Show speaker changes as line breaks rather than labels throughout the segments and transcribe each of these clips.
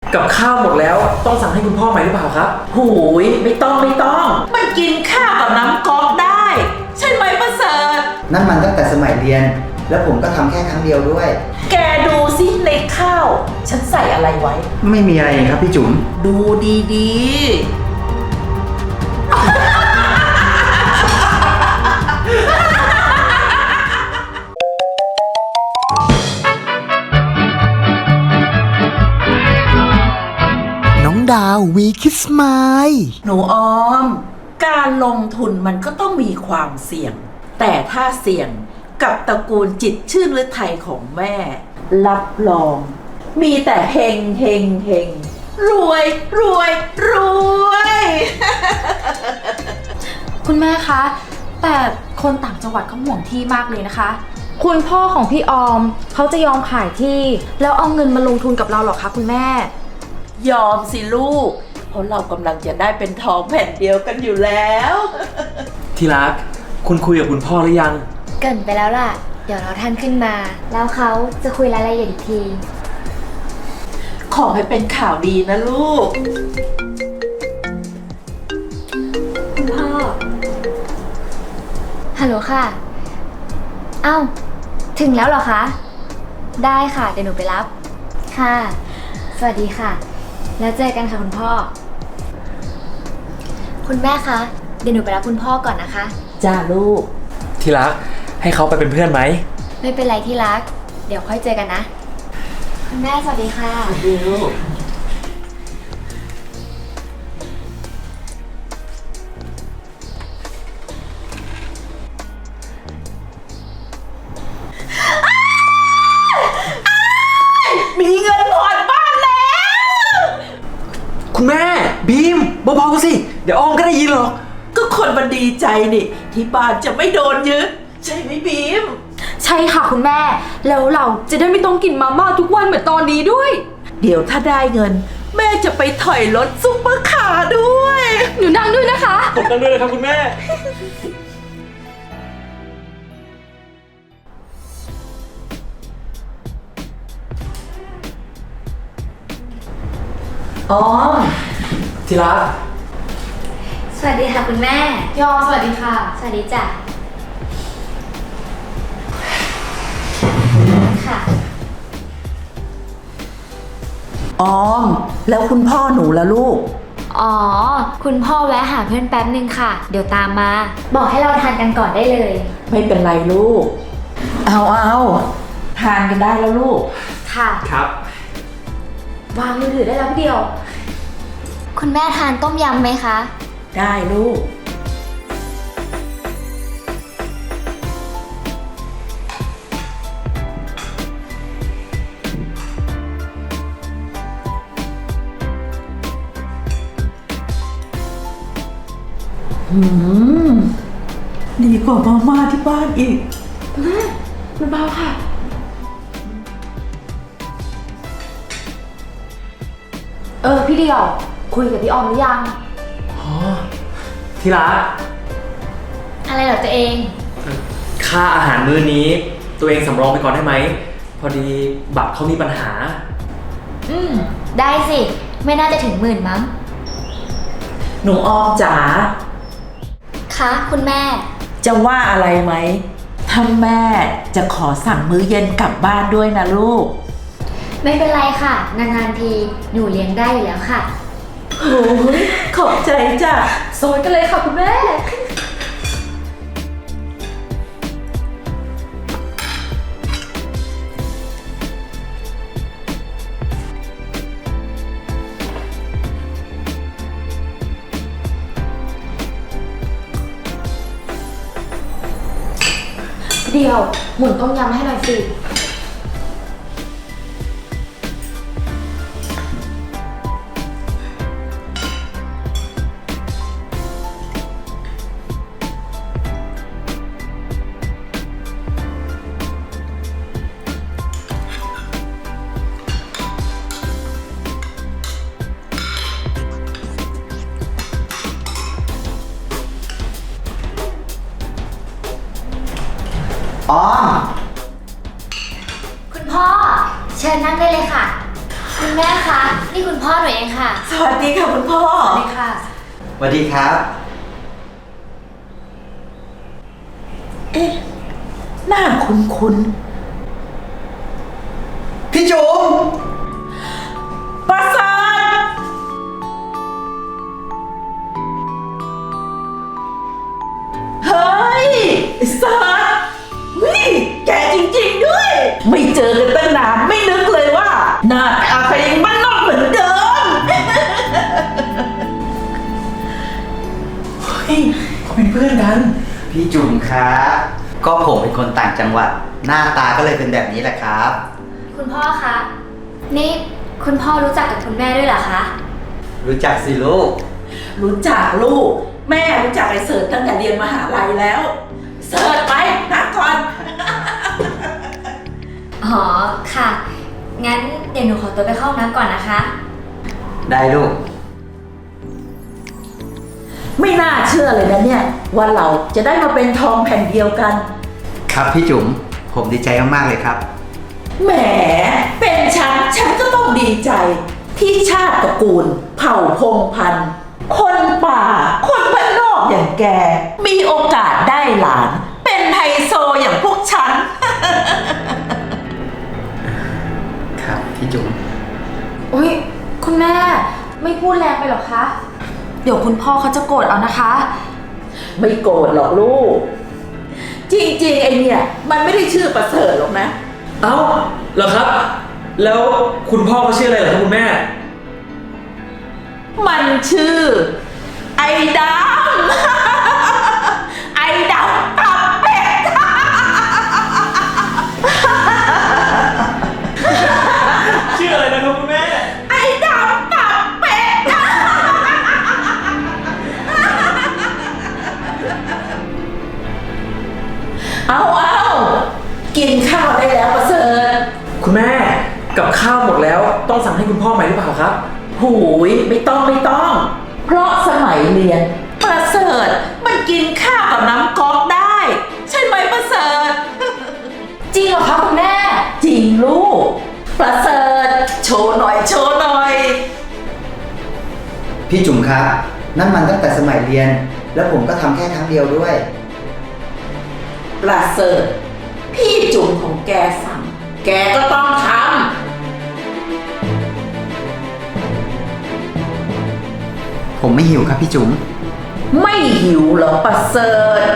กับข้าวหมดแล้วต้องสั่งให้คุณพ่อใหม่หรือเปล่าครับ
หูยไม่ต้องมันกินข้าวกับน้ำก๊อกได้ ใช่ไหมประเสริฐ
นั่นมันตั้งแต่สมัยเรียน แล้วผมก็ทำแค่ครั้งเดียวด้วย
แกดูสิในข้าว ฉันใส่อะไรไว้
ไม่มีอะไรครับพี่จุ๋ม
ดูดี
น้องดาววีคิสไมล์
ๆ หนูออม การลงทุนมันก็ต้องมีความเสี่ยง แต่ถ้าเสี่ยงกับตระกูลจิตรชื่นฤทัยของแม่ รับรอง มีแต่เฮงเฮงเฮงรวยรวยรวย
คุณแม่คะ แต่คนต่างจังหวัดเขาห่วงที่มากเลยนะคะ คุณพ่อของพี่ออมเขาจะยอมขายที่ แล้วเอาเงินมาลงทุนกับเราหรอคะคุณแม่
ยอมสิลูก เพราะเรากำลังจะได้เป็นทองแผ่นเดียวกันอยู่แล้ว
ที่รักคุณคุยกับคุณพ่อหรือยัง
เกริ่นไปแล้วล่ะ เดี๋ยวเราท่านขึ้นมา แล้วเขาจะคุยรายละเอียดอีกที
ขอให้เป็นข่าวดีนะลูก
คุณพ่อ ฮัลโหลค่ะ เอ้า ถึงแล้วเหรอคะ ได้ค่ะ เดี๋ยวหนูไปรับ ค่ะ สวัสดีค่ะ แล้วเจอกันค่ะคุณพ่อ คุณแม่คะ เดี๋ยวหนูไปรับคุณพ่อก่อนนะคะ
จ้าลูก
ที่รักให้เขาไปเป็นเพื่อนไหม
ไม่เป็นไรที่รัก เดี๋ยวค่อยเจอกันนะ คุณแม่สวัสดีค่ะ
สวัสดีลูก มีเงินผ่อนบ้านแล้ว
คุณแม่บีมเบาๆสิเดี๋ยวอ้อมก็ได้ยินหรอก
ก็คนมันดีใจนี่ ที่บ้านจะไม่โดนยึดใช่ไหมบีม
ใช่ค่ะคุณแม่ แล้วเราจะได้ไม่ต้องกินมาม่าทุกวันเหมือนตอนนี้ด้วย
เดี๋ยวถ้าได้เงิน แม่จะไปถอยรถซุปเปอร์คาร์ด้วย
หนูนั่งด้วยนะคะ
ผมกันด้วยนะครับคุณแม่
อ๋อ
ที่รัก
สวัสดีค่ะคุณแม่
ยอมสวัสดีค่ะ
สวัสดีจ้ะ ค่ะ
ออม แล้วคุณพ่อหนูละลูก
อ๋อ คุณพ่อแวะหาเพื่อนแป๊บนึงค่ะ เดี๋ยวตามมา บอกให้เราทานกันก่อนได้เลย
ไม่เป็นไรลูก เอาทานกันได้แล้วลูก
ค่ะ
ครับ
วางมือถือได้แล้วพี่เดียว
คุณแม่ทานต้มยำไหมคะ
ได้ลูก ดีกว่ามาม่าที่บ้านอีก
เบาๆค่ะ พี่เดียว คุยกับพี่ออมหรือยัง
อ๋อ ที่รัก
อะไรเหรอตัวเอง
ค่าอาหารมื้อนี้ ตัวเองสำรองไปก่อนได้ไหม พอดีบัตรเขามีปัญหา
ได้สิ ไม่น่าจะถึง10,000มั้ง
หนูออมจ๋า
คะคุณแม่
จะว่าอะไรไหม ถ้าแม่จะขอสั่งมื้อเย็นกลับบ้านด้วยนะลูก
ไม่เป็นไรค่ะ นานๆทีหนูเลี้ยงได้อยู่แล้วค่ะ
โอ้ยขอบใจจ้ะ
โซนกันเลยค่ะคุณแม่ เดียว หมุนต้มยำให้หน่อยสิ
อ๋อ
คุณพ่อ เชิญนั่งได้เลยค่ะ
โอ้
คุณแม่คะ นี่คุณพ่อหนูเองค่ะ
สวัสดีค่ะคุณพ่อ
สวัสดีค่ะ
สวัสดีครับ
เอ๊ะ หน้าคุ้น
พี่จุ๋ม
ๆประเสริฐเฮ้ยไอ้เสิร์ชนี่แกจริงๆด้วย ไม่เจอกันตั้งนานไม่นึกเลยว่า หน้าตาเป็นบ้านนอกเหมือนเดิม
เฮ้ยเขาเป็นเพื่อนกัน
พี่จุ๋มครับก็ผมเป็นคนต่างจังหวัด หน้าตาก็เลยเป็นแบบนี้แหละครับ
คุณพ่อคะ นี่คุณพ่อรู้จักกับคุณแม่ด้วยเหรอคะ
รู้จักสิลูก
รู้จักลูก แม่รู้จักไอ้เสิร์ชตั้งแต่เรียนมหาลัยแล้ว เสิร์ชไปนั่งก่อน
อ๋อ ค่ะ งั้นเดี๋ยวหนูขอตัวไปเข้าห้องน้ำก่อนนะคะ
ได้ลูก
ไม่น่าเชื่อเลยนะเนี่ย ว่าเราจะได้มาเป็นทองแผ่นเดียวกัน
ครับพี่จุ๋มผมดีใจมากๆเลยครับ
แหม เป็นฉันก็ต้องดีใจ ที่ชาติตระกูล เผ่าพงศ์พันธุ์ คนป่า คนบ้านนอกอย่างแก มีโอกาสได้หลาน เป็นไฮโซอย่างพวกฉัน
ครับพี่จุ๋ม
อุ้ยคุณแม่ไม่พูดแรงไปหรอคะ เดี๋ยวคุณพ่อเขาจะโกรธเอานะคะ
ไม่โกรธหรอกลูก จริงๆไอเนี่ยมันไม่ได้ชื่อประเสริฐหรอกนะ
เอ้าเหรอครับ แล้วคุณพ่อเขาชื่ออะไรเหรอครับคุณแม่
มันชื่อ ไอ้ดำ ไอ้ดำตับเป็ด
ชื่ออะไรนะครับคุณแม่
ไอ้ดำตับเป็ด เอากินข้าวได้แล้วประเสริฐ
คุณแม่กับข้าวหมดแล้วต้องสั่งให้คุณพ่อใหม่หรือเปล่าครับ
หูยไม่ต้อง เพราะสมัยเรียน ประเสริฐมันกินข้าวกับน้ำก๊อกได้ ใช่ไหมประเสริฐ
จริงเหรอคะคุณแม่
จริงลูก ประเสริฐโชว์หน่อย
พี่จุ๋มครับ นั่นมันตั้งแต่สมัยเรียน แล้วผมก็ทำแค่ครั้งเดียวด้วย
ประเสริฐพี่จุ๋มของแกสั่ง แกก็ต้องท
ผมไม่หิวครับพี่จุ๋ม
ำ ไม่หิวเหรอประเสริฐ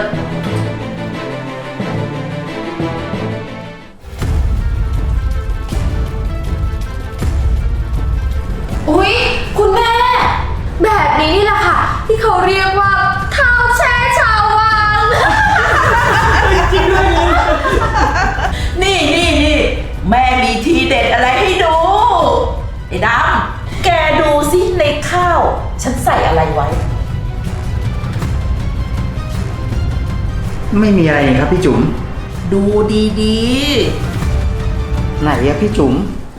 อุ๊ยคุณแม่ แบบนี้นี่แหละค่ะ ที่เขาเรียกว่าข้าวแช่ชาววัง
นี่แม่มีทีเด็ดอะไรให้ดู ไอ้ดำแกดูสิในข้าว ฉันใส่อะไรไว้
ไม่มีอะไรนี่ครับพี่จุ๋ม
ดูดี
ไหนอะพี่จุ๋ม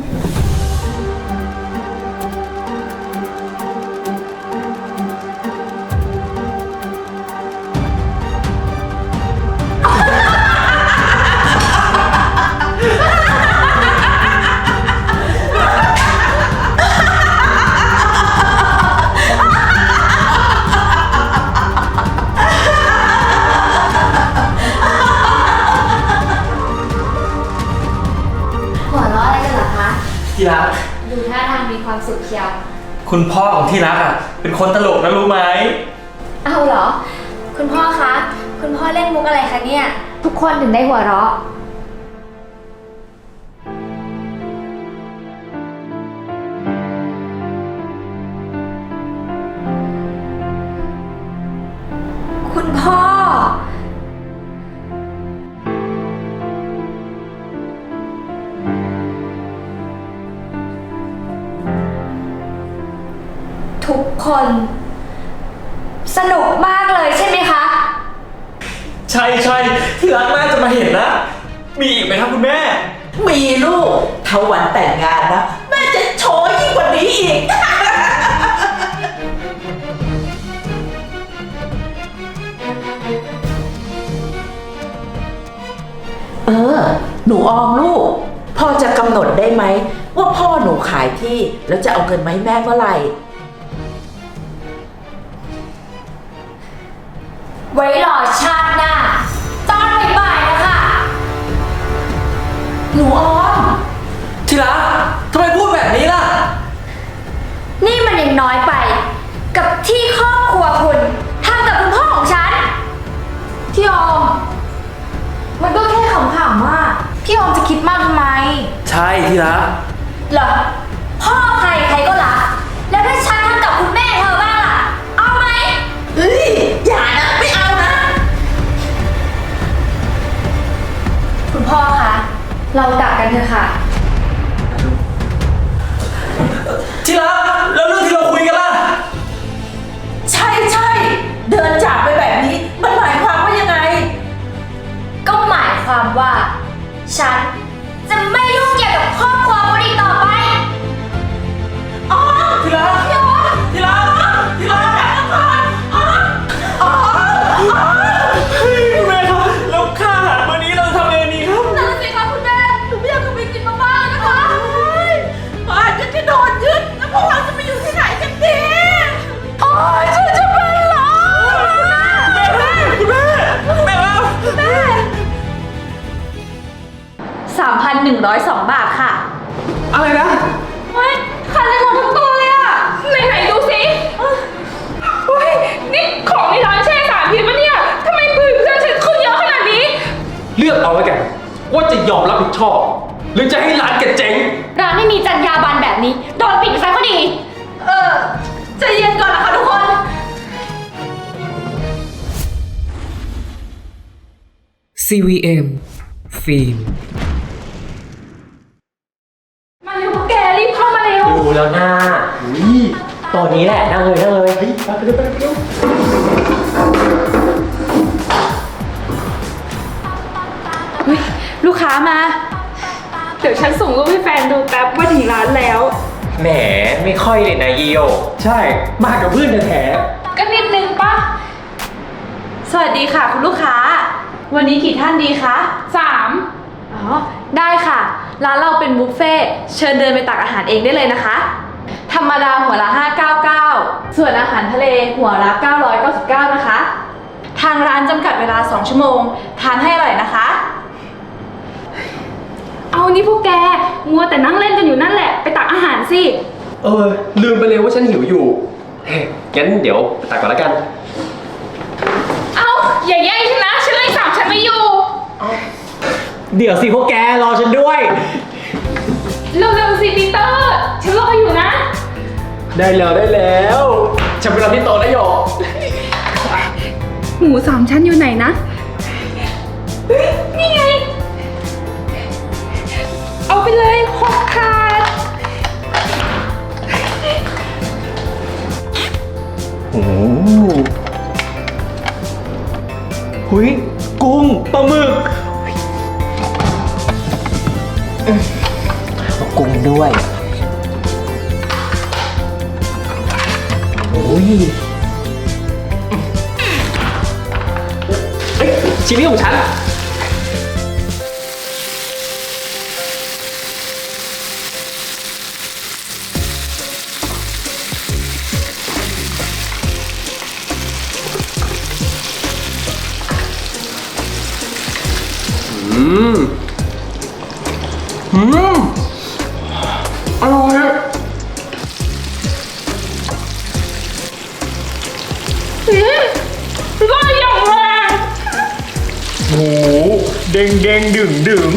หัวเราะอะไรกันเหรอคะ
ที่รัก
ดูท่าทางมีความสุขเชียว
คุณพ่อของที่รักอ่ะ เป็นคนตลกนะรู้ไหม
เอาเหรอ คุณพ่อคะ คุณพ่อเล่นมุกอะไรคะเนี่ย ทุกคนถึงได้หัวเราะ คุณพ่อ ทุกคน สนุกมากเลยใช่ไหมคะ
ใช่ที่รักน่าจะมาเห็นนะ มีอีกไหมครับคุณแม่
ๆ มีลูกถ้าวันแต่งงานนะ แม่จะโชว์ยิ่งกว่านี้อีก หนูออมลูก พอจะกำหนดได้ไหมว่าว่าพ่อหนูขายที่แล้วจะเอาเงินมาให้แม่เมื่อไหร่
ไว้รอชาติหน้าตอนบ่ายๆนะคะ
หนูออม
ที่รักทำไมพูดแบบนี้ล่ะ
นี่มันยังน้อยไป กับที่ครอบครัวคุณทำกับคุณพ่อของฉัน
พี่ออม มันก็แค่ขำๆว่าพี่ออมจะคิดมากทำไม
ใช่ที่รัก
เหรอ พ่อใครใครก็รัก แล้วถ้าฉันทำกับคุณแม่เธอบ้างล่ะ เอาไหม
เฮ้ย อย่านะ ไม่เอานะ
คุณพ่อคะ เรากลับกันเถอะค่ะ
ที่รักแล้วเรื่องที่เราคุยกันล่ะ
ใช่ใช่เดินจากไปแบบนี้ มันหมายความว่ายังไง
ก็หมายความว่า ฉันจะไม่ยุ่งเกี่ยวกับครอบครัวคุณอีกต่อไป
ที่รักที่รักที่รักแม่ครับแล้วค่าอาหารมื้อนี้เราจะทำยังไงดีครับ
นั่นสิคะคุณแม่หนูไม่อยากกลับไปกินมาม่านะคะ
บ้านจะโดนยึดแล้วพวกเราจะไปอยู่ที่ไหนกันดี
โอ๊ยฉันจะเป็นลมคุณแม่
คุณแม่ครับ
3,102 บาทค่ะ
อะไรนะ
เฮ้ยขาดเลยหมดทั้งตัวเลยอะไหนๆดูสิเฮ้ย นี่ของในร้านแช่สารพิษปะเนี่ย ทำไมเพื่อนฉันขึ้นเยอะขนาดนี้
เลือกเอาไว้แกว่าจะยอมรับผิดชอบ หรือจะให้ร้านแกเจ๊ง
ร้านไม่มีจรรยาบรรณแบบนี้ โดนปิดซะก็ดี
ใจเย็นก่อนนะคะทุกคน
CVM ฟิล์ม
มาเร็วพวกแกรีบเข้ามาเร็ว
ดูแล้วหน้าตอนนี้แหละนั่งเลยนั่งเลยไปเร็วไปเร็ว
ลูกค้ามา เดี๋ยวฉันส่งรูปให้แฟนดูแป๊บว่าถึงร้านแล้ว
แหมไม่ค่อยเลยนะยีโอใช่ มากับเพื่อนแท้
ก็นิดนึงปะสวัสดีค่ะคุณลูกค้า วันนี้กี่ท่านดีคะ3อ๋อ ได้ค่ะ ร้านเราเป็นบุฟเฟ่ต์เชิญเดินไปตักอาหารเองได้เลยนะคะ ธรรมดาหัวละ599ส่วนอาหารทะเลหัวละ999นะคะ ทางร้านจำกัดเวลา2ชั่วโมง ทานให้อร่อยนะคะ เอานี่พวกแก มัวแต่นั่งเล่นกันอยู่นั่นแหละ ไปตักอาหารสิ
ลืมไปเลยว่าฉันหิวอยู่เฮ้ยงั้นเดี๋ยวไปตักก่อนแล้วกัน
เอาอย่าแย่งฉันนะ ฉันเลยสั่งฉันไม่อยู่
เดี๋ยวสิพวกแกรอฉันด้วย
เร็วๆสิปีเตอร์ ฉันรออยู่นะ
ได้แล้วฉันไปรอที่โต๊ะแล้วโย
หมู3 ชั้นอยู่ไหนนะ นี่ไง เอาไปเลย6 ถาด
โอ้หุยกุ้งปลาหมึกเอากุ้งด้วยโอ้ยเฮ้ยชิ้นนี้ของฉัน อร่อยอะ
ก็อย่างแรง
โหเด้งเด้งดึงดึง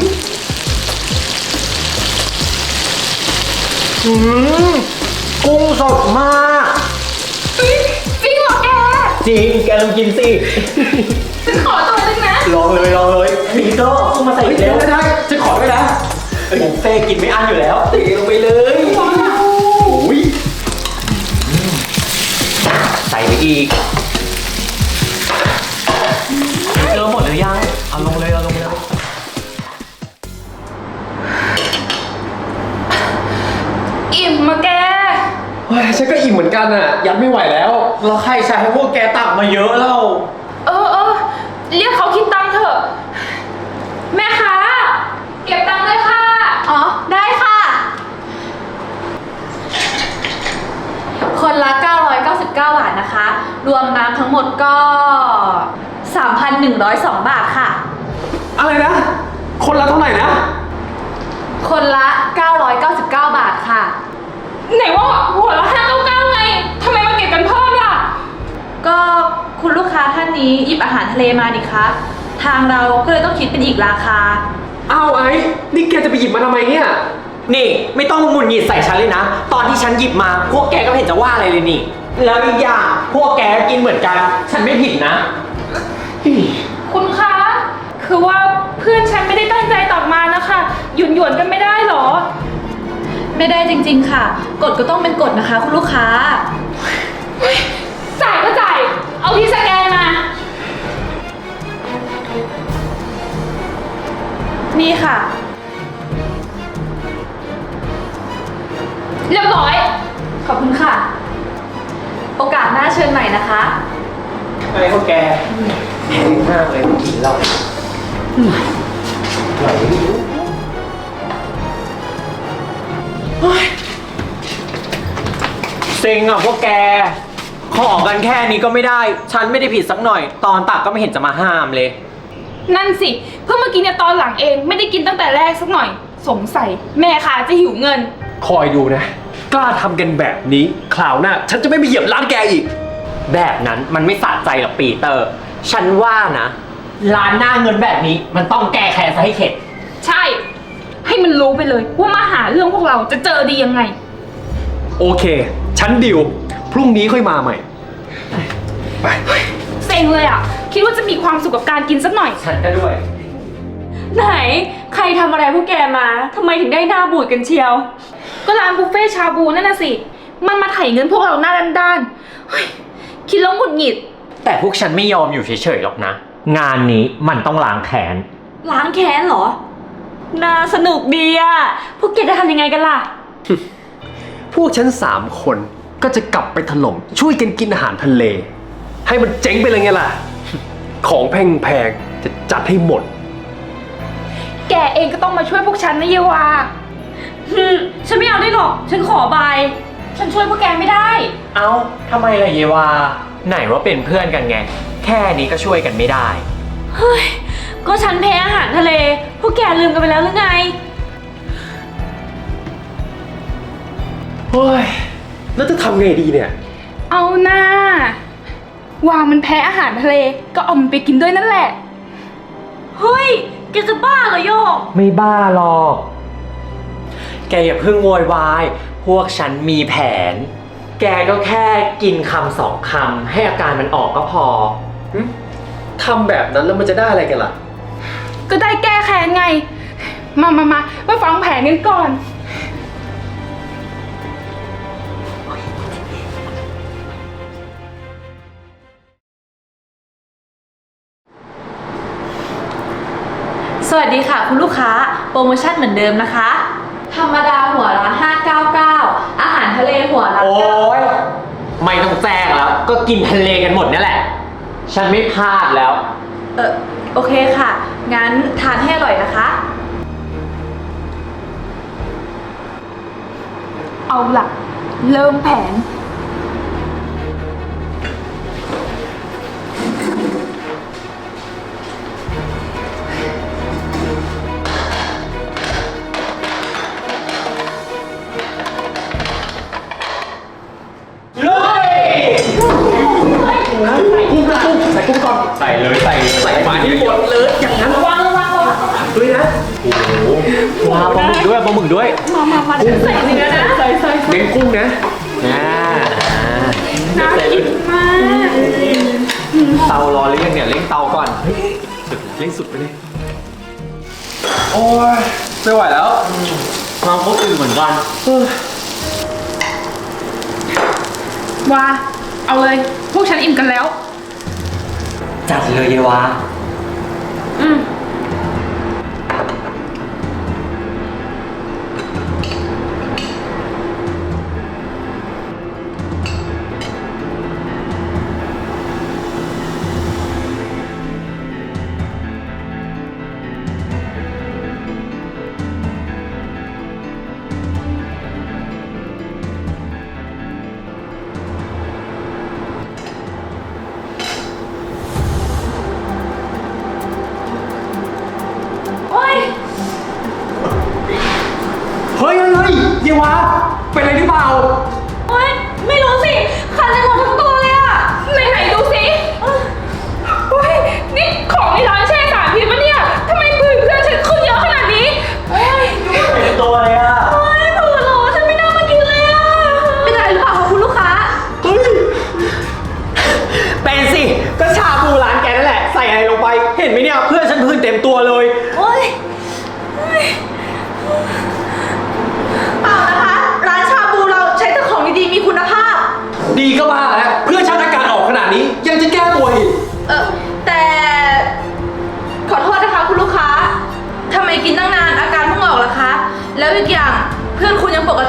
กุ้งสดมาก
จริงเหรอแก
จริง แกลองกินสิ
ฉันขอตัวนึงนะ
ลองเลยพีโต้กุ้งมาใส่เร็วได้จะขอด้วยนะผมเฟ่กินไม่อั้นอยู่แล้วตีลงไปเลยโอ้ยใส่ไปอีกเจอหมดหรือยัง เอาลงเลย
อิ่มมาแก
เฮ้ยฉันก็อิ่มเหมือนกันอ่ะ ยัดไม่ไหวแล้ว แล้วใครใช้ให้พวกแกตักมาเยอะเล่า
เรียกเขาคิดตังค์เถอะ แม่ค้าเก็บตังค์ด้วยค่ะ อ๋อ ได้ค่ะละ 999 บาทนะคะ รวมน้ำทั้งหมดก็ 3,102 บาทค่ะ
อะไรนะ คนละเท่าไหร่นะ
คนละ 999 บาทค่ะ
ไหนว่าหัวละ599ไงทำไมมาเก็บกันเพิ่มล่ะ
ก็คุณลูกค้าท่านนี้หยิบอาหารทะเลมาดิคะ ทางเราก็เลยต้องคิดเป็นอีกราคา
อ้าวไอ้นี่แกจะไปหยิบมาทำไมเนี่ย
นี่ไม่ต้องมาหงุดหงิดใส่ฉันเลยนะ ตอนที่ฉันหยิบมาพวกแกก็ไม่เห็นจะว่าอะไรเลยนี่ แล้วอีกอย่างพวกแกกินเหมือนกัน ฉันไม่ผิดนะ
คุณคะ คือว่าเพื่อนฉันไม่ได้ตั้งใจตักมานะคะหยวนๆกันไม่ได้หรอ
ไม่ได้จริงๆค่ะ กฎก็ต้องเป็นกฎนะคะ คุณลูกค้า
จ่ายก็จ่าย เอาที่สแกนมา
นี่ค่ะ
เรียบร้อย
ขอบคุณค่ะ โอกาสหน้าเชิญใหม่นะคะ
ไอ้พวกแกแพงมากเลยกินเราไหวไม่รู้เซ็งอ่ะพวกแก ขอกันแค่นี้ก็ไม่ได้ ฉันไม่ได้ผิดสักหน่อย ตอนตักก็ไม่เห็นจะมาห้ามเลย
นั่นสิ เพิ่งมากินเนี่ยตอนหลังเอง ไม่ได้กินตั้งแต่แรกสักหน่อย สงสัยแม่ค้าจะหิวเงิน
คอยดูนะ กล้าทำกันแบบนี้คราวหน้าฉันจะไม่ไปเหยียบร้านแกอีก
แบบนั้นมันไม่สะใจหรอกปีเตอร์ ฉันว่านะ ร้านหน้าเงินแบบนี้มันต้องแก้แค้นซะให้เข็ด
ใช่ ให้มันรู้ไปเลยว่ามาหาเรื่องพวกเราจะเจอดียังไง
โอเค ฉันดิว พรุ่งนี้ค่อยมาใหม่ ไป
เซ็งเลยอ่ะ คิดว่าจะมีความสุขกับการกินสักหน่อย
ฉันก็ด้วย
ไหน ใครทำอะไรพวกแกมาทำไมถึงได้หน้าบูดกันเชียว
ก็ร้านบุฟเฟ่ชาบูนั่นน่ะสิ มันมาไถ่เงินพวกเราหน้าด้านๆเฮ้ยคิดแล้วหงุดหงิด
แต่พวกฉันไม่ยอมอยู่เฉยๆหรอกนะ งานนี้มันต้องล้างแค้น
ล้างแค้นเหรอ น่าสนุกดีอะพวกแกจะทำยังไงกันล่ะ
พวกฉัน3 คนก็จะกลับไปถล่มช่วยกันกินอาหารทะเล ให้มันเจ๊งไปเลยไงล่ะ ของแพงๆจะจัดให้หมด
แกเองก็ต้องมาช่วยพวกฉันนะเยวา
ฉันไม่เอาได้หรอก ฉันขอบาย
ฉันช่วยพวกแกไม่ได้
เอ้าทำไมล่ะเยวา ไหนว่าเป็นเพื่อนกันไง แค่นี้ก็ช่วยกันไม่ได้
เฮ้ย ก็ฉันแพ้อาหารทะเล พวกแกลืมกันไปแล้วหรือไง
เฮ้ย แล้วจะทำไงดีเนี่ย
เอาหน้า ว่ามันแพ้อาหารทะเล ก็เอามันไปกินด้วยนั่นแหละ
เฮ้ย แกจะบ้าเหรอโยก
ไม่บ้าหรอก แกอย่าเพิ่งโวยวาย พวกฉันมีแผน แกก็แค่กินคำ2 คำให้อาการมันออกก็พอ
ทำแบบนั้นแล้วมันจะได้อะไรกันล่ะ
ก็ได้แก้แค้นไง มาฟังแผนกันก่อน
สวัสดีค่ะคุณลูกค้า โปรโมชั่นเหมือนเดิมนะคะ ธรรมดาหัวละ599 อาหารทะเลหัวละ
โอ๊ย ไม่ต้องแจ้งแล้ว ก็กินทะเลกันหมดนี่แหละ ฉันไม่พลาดแล้ว
โอเคค่ะ งั้นทานให้อร่อยนะคะ
เอาล่ะ เริ่มแผน
ใส่กุ้งก่อน ใส่เลยใส่มาที่หมดเลย อย่างนั้นวางด้วยนะ โอ้โหว้าปลาหมึกด้วยปลาหมึกด้วย
มาใส่เนื้อนะ ใส่
เน้นกุ้งนะ
น่ากินมาก
เตารอหรือยังเนี่ยเร่งเตาก่อน
เล่นสุดไปเลย โอ้ยไม่ไหวแล้ว
ความคนอื่นเหมือนกัน
ว่า เอาเลย พวกฉันอิ่มกันแล้ว
จัดเลยเยวา
อืม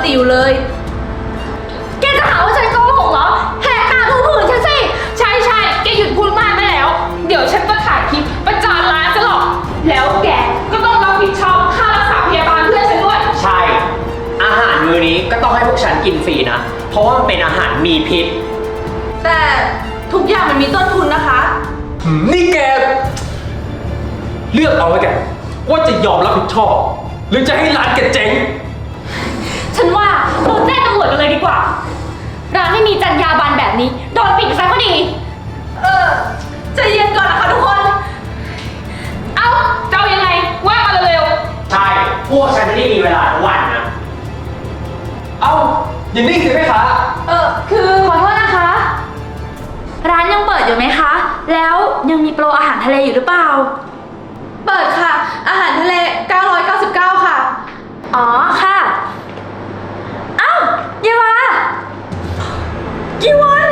ติอยู่เลย
แกจะหาว่าฉันโกหกเหรอ แหกตาดูผู้อื่นฉันสิ
ใช่ใช่แกหยุดพูดมากได้แล้ว เดี๋ยวฉันจะถ่ายคลิปประจานร้านจะหรอก แล้วแกก็ต้องรับผิดชอบค่ารักษาพยาบาลเพื่อนฉันด้วย
ใช่ อาหารมื้อนี้ก็ต้องให้พวกฉันกินฟรีนะ เพราะว่ามันเป็นอาหารมีพิษ
แต่ทุกอย่างมันมีต้นทุนนะคะ
นี่แก เลือกเอาไว้แกว่าจะยอมรับผิดชอบ หรือจะให้ร้านแกเจ๊ง
ฉันว่าเราแจ้งตำรวจกันเลยดีกว่า ร้านไม่มีจรรยาบรรณแบบนี้โดนปิดไปซะก็ดี
ใจเย็นก่อนนะคะทุกคน
เอ้าจะเอายังไงว่ามาเร็ว
ใช่ พวกฉันไม่ได้มีเวลาทั้งวันนะ
เอ้าอย่านิ่งสิแม่ค้า
คือ
ขอโทษนะคะ ร้านยังเปิดอยู่ไหมคะ แล้วยังมีโปรอาหารทะเลอยู่หรือเปล่า
เปิดค่ะ อาหารทะเล 999 ค่ะ
อ๋อค่ะ เอ้าเยวากี่วัน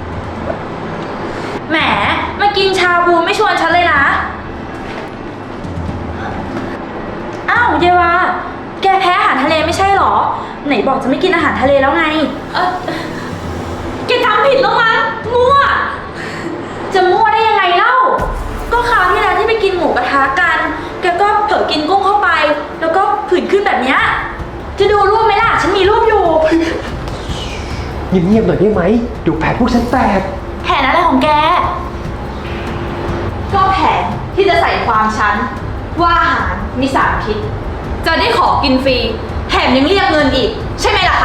แหมมากินชาบูไม่ชวนฉันเลยนะ อ้าวเยวาแกแพ้อาหารทะเลไม่ใช่หรอ ไหนบอกจะไม่กินอาหารทะเลแล้วไง แกทำผิดแล้วมั้งมั่ว จะมั่วได้ยังไงเล่า ก็คราวที่แล้วที่ไปกินหมูกระทะกัน แกก็เผลอกินกุ้งเข้าไป แล้วก็ผื่นขึ้นแบบเนี้ยจะดูรูปไหมล่ะ ฉันมีรูปอยู่
เงียบๆหน่อยได้ไหมเดี๋ยวแผนพวกฉันแตก
แผนอะไรของแก
ก็แผนที่จะใส่ความฉันว่าอาหารมีสารพิษ จะได้ขอกินฟรี แถมยังเรียกเงินอีก ใช่ไหมล่ะคะ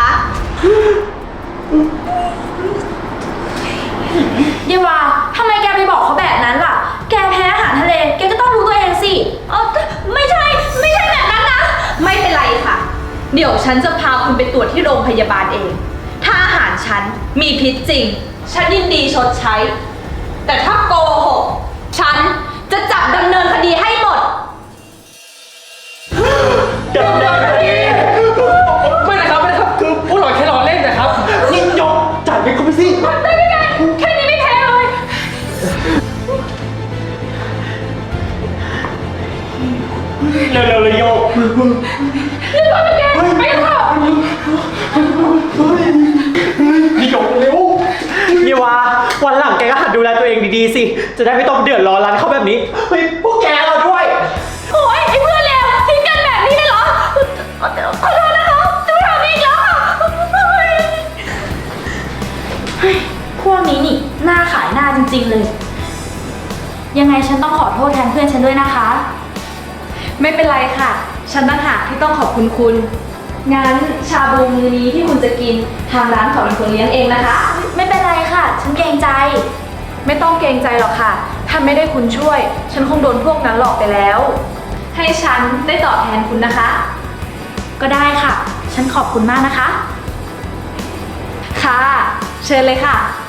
เยวาทำไมแกไปบอกเขาแบบนั้นล่ะ แกแพ้อาหารทะเล แกก็ต้องรู้ตัวเองสิไม่ใช่แบบนั้นนะ
ไม่เป็นไรค่ะ เดี๋ยวฉันจะพาคุณไปตรวจที่โรงพยาบาลเอง ถ้าอาหารฉันมีพิษจริง ฉันยินดีชดใช้ แต่ถ้าโกหก ฉันจะจับดำเนินคดีให้หมด
ดำเนินคดี
ไม่นะครับไม่นะครับ คือพวกเราแค่รอเล่นนะครับนี่ยกจ่ายไปก็ไปสิ
ได้ไม่ได้แค่นี้ไม่แพ้เลย
เร็วๆเลยโยก
ไปเถอะ
นี่โยกเร็วนี่วาวันหลังแกก็หัดดูแลตัวเองดีๆสิ จะได้ไม่ต้องเดือดร้อนร้านเขาแบบนี้ เฮ้ย พวกแกเราด้วย
โอ้ยไอ้เพื่อนเลวทิ้งกันแบบนี้เลยเหรอ ขอโทษนะคะจะไม่ทำอีกแล้วค่ะเฮ้ยพวกนี้นี่หน้าขายหน้าจริงๆเลย ยังไงฉันต้องขอโทษแทนเพื่อนฉันด้วยนะคะ
ไม่เป็นไรค่ะ ฉันต่างหากที่ต้องขอบคุณคุณ งั้นชาบูมื้อนี้ที่คุณจะกินทางร้านขอเป็นคนเลี้ยงเองนะคะ
ไม่เป็นไรค่ะ ฉันเกรงใจ
ไม่ต้องเกรงใจหรอกค่ะ ถ้าไม่ได้คุณช่วย ฉันคงโดนพวกนั้นหลอกไปแล้ว ให้ฉันได้ตอบแทนคุณนะคะ
ก็ได้ค่ะ ฉันขอบคุณมากนะคะ
ค่ะ เชิญเลยค่ะ